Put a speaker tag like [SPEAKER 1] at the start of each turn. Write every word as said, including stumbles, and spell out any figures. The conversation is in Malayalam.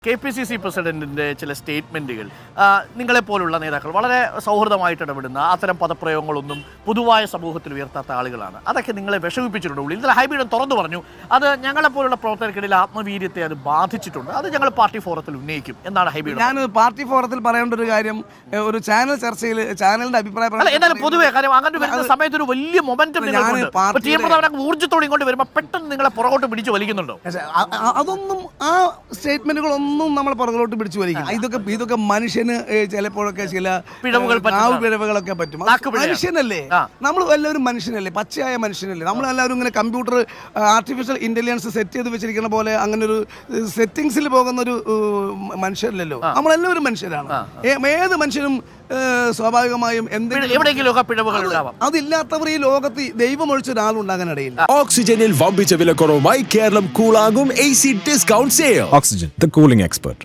[SPEAKER 1] കെ പി സി സി പ്രസിഡന്റിന്റെ ചില സ്റ്റേറ്റ്മെന്റുകൾ നിങ്ങളെപ്പോലുള്ള നേതാക്കൾ വളരെ സൗഹൃദമായിട്ട് ഇടപെടുന്ന അത്തരം പദപ്രയോഗങ്ങളൊന്നും പൊതുവായ സമൂഹത്തിൽ ഉയർത്താത്ത ആളുകളാണ്. അതൊക്കെ നിങ്ങളെ വിഷമിപ്പിച്ചിട്ടുണ്ട്. ഇന്നലെ ഹൈബീഡൻ തുറന്നു പറഞ്ഞു, അത് ഞങ്ങളെപ്പോലുള്ള പ്രവർത്തകർക്കിടയിൽ ആത്മവീര്യത്തെ അത് ബാധിച്ചിട്ടുണ്ട്, അത് ഞങ്ങൾ പാർട്ടി ഫോറത്തിൽ ഉന്നയിക്കും എന്നാണ് ഹൈബീഡൻ.
[SPEAKER 2] ഞാൻ പാർട്ടി ഫോറത്തിൽ പറയേണ്ട ഒരു കാര്യം, ഒരു ചാനൽ ചർച്ചയിൽ ചാനലിന്റെ അഭിപ്രായം
[SPEAKER 1] എന്നാലും പൊതുവെ കാര്യം അങ്ങനെ വരുന്ന സമയത്ത് ഒരു വലിയ മൊമെന്റം ഊർജ്ജത്തോടെ ഇങ്ങോട്ട് വരുമ്പോൾ പെട്ടെന്ന് നിങ്ങളെ പുറകോട്ട് പിടിച്ച് വലിക്കുന്നുണ്ടോ?
[SPEAKER 2] അതൊന്നും ആ സ്റ്റേറ്റ്മെന്റുകളൊന്നും നമ്മൾ പുറകോട്ട് പിടിച്ചു വലിക്കും. ഇതൊക്കെ ഇതൊക്കെ മനുഷ്യന് ചിലപ്പോഴൊക്കെ ചില
[SPEAKER 1] പിഴവുകൾ
[SPEAKER 2] പിഴവുകളൊക്കെ പറ്റും. മനുഷ്യനല്ലേ, നമ്മൾ എല്ലാവരും മനുഷ്യനല്ലേ, പച്ചയായ മനുഷ്യനല്ലേ. നമ്മളെല്ലാവരും ഇങ്ങനെ കമ്പ്യൂട്ടർ ആർട്ടിഫിഷ്യൽ ഇന്റലിജൻസ് സെറ്റ് ചെയ്ത് വെച്ചിരിക്കുന്ന പോലെ അങ്ങനെ ഒരു സെറ്റിംഗ്സിൽ പോകുന്ന ഒരു മനുഷ്യരല്ലല്ലോ. നമ്മളെല്ലാവരും മനുഷ്യരാണ്. ഏത് മനുഷ്യനും സ്വാഭാവികമായും എന്തെങ്കിലും
[SPEAKER 1] പിഴവുകൾ ഉണ്ടാവാം.
[SPEAKER 2] അതില്ലാത്തവർ ഈ ലോകത്ത് ദൈവം ഒഴിച്ച ഒരാളുണ്ടാകാനിടയില്ല.
[SPEAKER 3] ഓക്സിജനിൽ വമ്പിച്ച വിലക്കുറവുമായി കേരളം കൂളാകും A C discount sale.
[SPEAKER 4] Oxygen, the cooling expert.